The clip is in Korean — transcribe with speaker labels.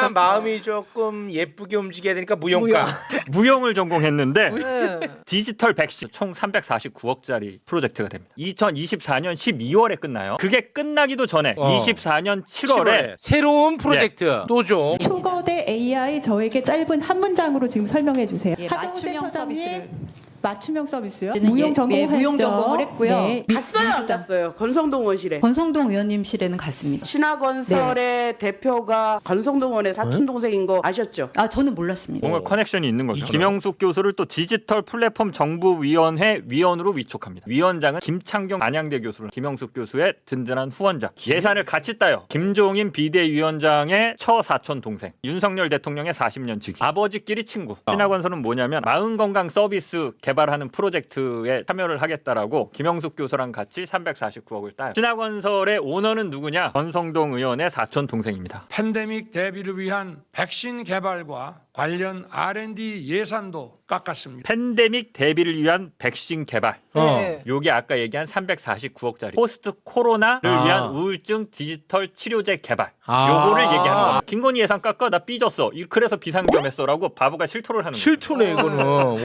Speaker 1: 하지만 마음이 조금 예쁘게 움직여야 되니까 무용가.
Speaker 2: 무용을 전공했는데
Speaker 3: 네.
Speaker 2: 디지털 백신 총 349억짜리 프로젝트가 됩니다. 2024년 12월에 끝나요. 그게 끝나기도 전에 24년 7월에
Speaker 1: 새로운 프로젝트 노조.
Speaker 4: 초거대 AI 저에게 짧은 한 문장으로 지금 설명해 주세요.
Speaker 5: 예,
Speaker 4: 하정우
Speaker 5: 맞춤형
Speaker 4: 센터장님,
Speaker 5: 서비스를.
Speaker 4: 맞춤형 서비스요?
Speaker 5: 저는
Speaker 4: 무용
Speaker 5: 예,
Speaker 4: 전공을
Speaker 5: 예, 무용
Speaker 4: 했죠.
Speaker 5: 전공을 했고요.
Speaker 4: 네.
Speaker 6: 갔어요 안 갔어요? 건성동 원실에.
Speaker 7: 권성동 의원님실에는 갔습니다.
Speaker 6: 신화건설의 대표가 건성동원의 사촌 동생인 거 아셨죠?
Speaker 7: 아 저는 몰랐습니다.
Speaker 2: 뭔가 커넥션이 있는 거죠. 김영숙 교수를 또 디지털 플랫폼 정부위원회 위원으로 위촉합니다. 위원장은 김창경 안양대 교수를 김영숙 교수의 든든한 후원자. 예산을 같이 따요. 김종인 비대위원장의 처사촌 동생. 윤석열 대통령의 40년 지기. 아버지끼리 친구. 신화건설은 뭐냐면 마음건강 서비스 개발하는 프로젝트에 참여를 하겠다라고 김영숙 교수랑 같이 349억을 따요. 신화건설의 오너는 누구냐? 권성동 의원의 사촌 동생입니다.
Speaker 8: 팬데믹 대비를 위한 백신 개발과 관련 R&D 예산도 깎았습니다.
Speaker 2: 팬데믹 대비를 위한 백신 개발.
Speaker 3: 네.
Speaker 2: 요게 아까 얘기한 349억짜리 포스트 코로나를 위한 우울증 디지털 치료제 개발. 요거를 얘기하는 거야. 김건희 예산 깎아 나 삐졌어. 그래서 비상겸했어라고 바보가 실토를 하는 거죠.
Speaker 1: 실토네 이거는.